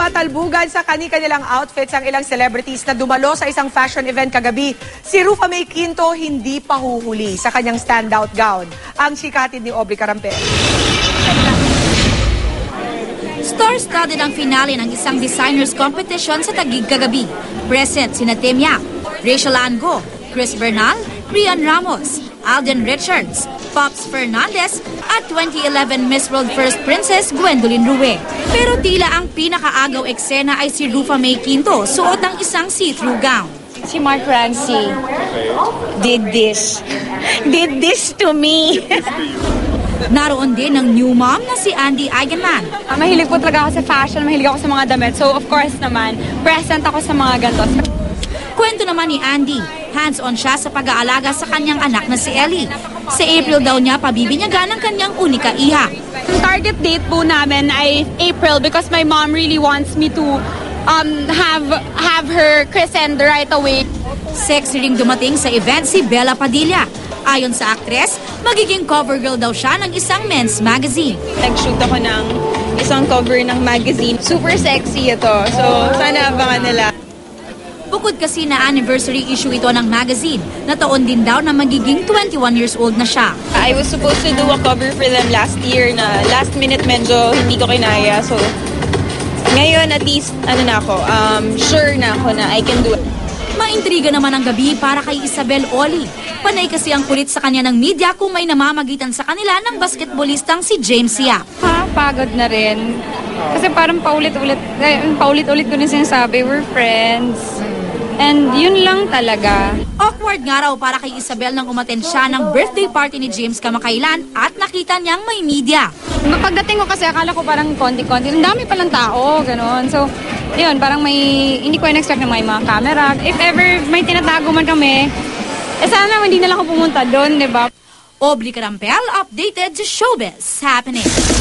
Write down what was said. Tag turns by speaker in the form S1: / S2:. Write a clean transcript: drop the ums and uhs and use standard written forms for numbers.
S1: Nagtatalbugan sa kani-kanilang outfits ang ilang celebrities na dumalo sa isang fashion event kagabi. Si Rufa May Quinto hindi pa huhuli sa kanyang standout gown. Ang sikatid ni Aubrey Carampel.
S2: Star-studded ang finale ng isang designers competition sa Taguig kagabi. Present sina Tim Yap, Rachel Ango, Chris Bernal, Rian Ramos, Alden Richards, Pops Fernandez at 2011 Miss World First Princess Gwendolyn Rue. Pero tila ang pinakaagaw eksena ay si Rufa May Quinto, suot ng isang see-through gown.
S3: Si Mark Ramsey did this to me.
S2: Naroon din ang new mom na si Andy Eigenman.
S3: Mahilig po talaga ako sa fashion, mahilig ako sa mga damit. So of course naman, present ako sa mga ganito.
S2: Kwento naman ni Andy, hands-on siya sa pag-aalaga sa kanyang anak na si Ellie. Sa April daw niya pabibinyagan ang kanyang unika iha.
S3: Ang target date po namin ay April because my mom really wants me to have her christened right away.
S2: Sexy ring dumating sa event si Bella Padilla. Ayon sa aktres, magiging cover girl daw siya ng isang men's magazine.
S3: Nag-shoot ako ng isang cover ng magazine. Super sexy ito. So sana abangan nila.
S2: Bukod kasi na anniversary issue ito ng magazine, na taon din daw na magiging 21 years old na siya.
S3: I was supposed to do a cover for them last year na last minute medyo hindi ko kinaya. So ngayon at least sure na ako na I can do it.
S2: Maintriga naman ang gabi para kay Isabel Oli. Panay kasi ang kulit sa kanya ng media kung may namamagitan sa kanila ng basketballistang si James Yap.
S3: Pagod na rin. Kasi parang paulit-ulit ko rin sinasabi, we're friends. And yun lang talaga.
S2: Awkward nga raw para kay Isabel nang umattend siya ng birthday party ni James kamakailan at nakita niyang may media.
S3: Pagdating ko kasi akala ko parang konti-konti. Ang dami palang tao, gano'n. So, yun, parang hindi ko in-expect na may mga camera. If ever may tinatago man kami, sana hindi na lang ako pumunta doon, di ba?
S2: Aubrey Carampel, updated to Showbiz Happening.